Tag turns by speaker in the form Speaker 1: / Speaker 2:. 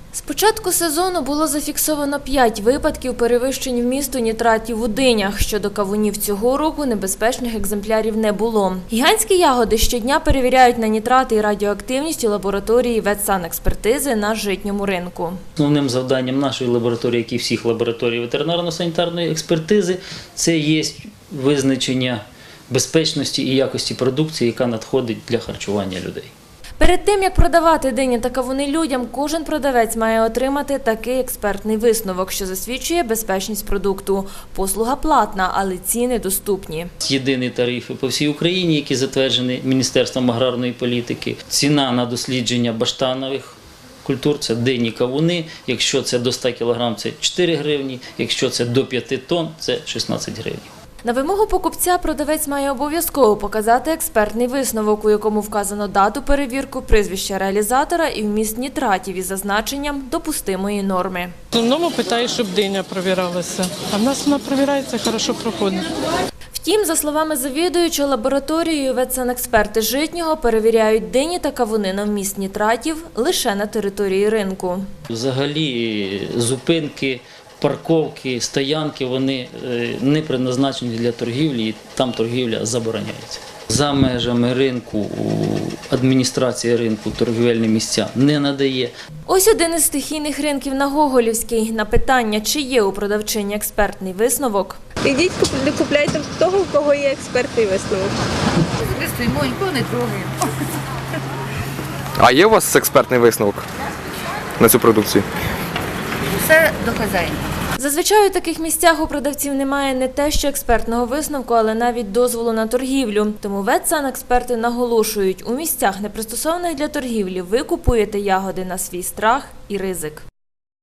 Speaker 1: З початку сезону було зафіксовано 5 випадків перевищень вмісту нітратів у динях. Щодо кавунів цього року небезпечних екземплярів не було. Гігантські ягоди щодня перевіряють на нітрати і радіоактивність у лабораторії ветсанекспертизи на житньому ринку.
Speaker 2: Основним завданням нашої лабораторії, як і всіх лабораторій ветеринарно-санітарної експертизи, це є визначення безпечності і якості продукції, яка надходить для харчування людей.
Speaker 1: Перед тим, як продавати дині та кавуни людям, кожен продавець має отримати такий експертний висновок, що засвідчує безпечність продукту. Послуга платна, але ціни доступні.
Speaker 2: Єдині тарифи по всій Україні, які затверджені Міністерством аграрної політики. Ціна на дослідження баштанових культур – це дині, кавуни. Якщо це до 100 кг – це 4 гривні, якщо це до 5 тонн – це 16 гривень.
Speaker 1: На вимогу покупця продавець має обов'язково показати експертний висновок, у якому вказано дату перевірки, прізвище реалізатора і вміст нітратів із зазначенням допустимої норми.
Speaker 3: В основному питаю, щоб диня провіралася, а в нас вона провіряється, хорошо проходить.
Speaker 1: Втім, за словами завідуючого лабораторією, ветсанексперти Житнього перевіряють дині та кавуни на вміст нітратів лише на території ринку.
Speaker 2: Взагалі зупинки, парковки, стоянки, вони не призначені для торгівлі, і там торгівля забороняється. За межами ринку адміністрація ринку торгівельні місця не надає.
Speaker 1: Ось один із стихійних ринків на Гоголівській. На питання, чи є у продавчині експертний висновок.
Speaker 4: Ідіть, купляйте того, у кого є експертний висновок.
Speaker 5: Ми стоїмо, нікого не трогаємо.
Speaker 6: А є у вас експертний висновок на цю продукцію?
Speaker 5: Все до хазяїна.
Speaker 1: Зазвичай у таких місцях у продавців немає не те, що експертного висновку, але навіть дозволу на торгівлю. Тому ветсанексперти наголошують, у місцях, не пристосованих для торгівлі, ви купуєте ягоди на свій страх і ризик.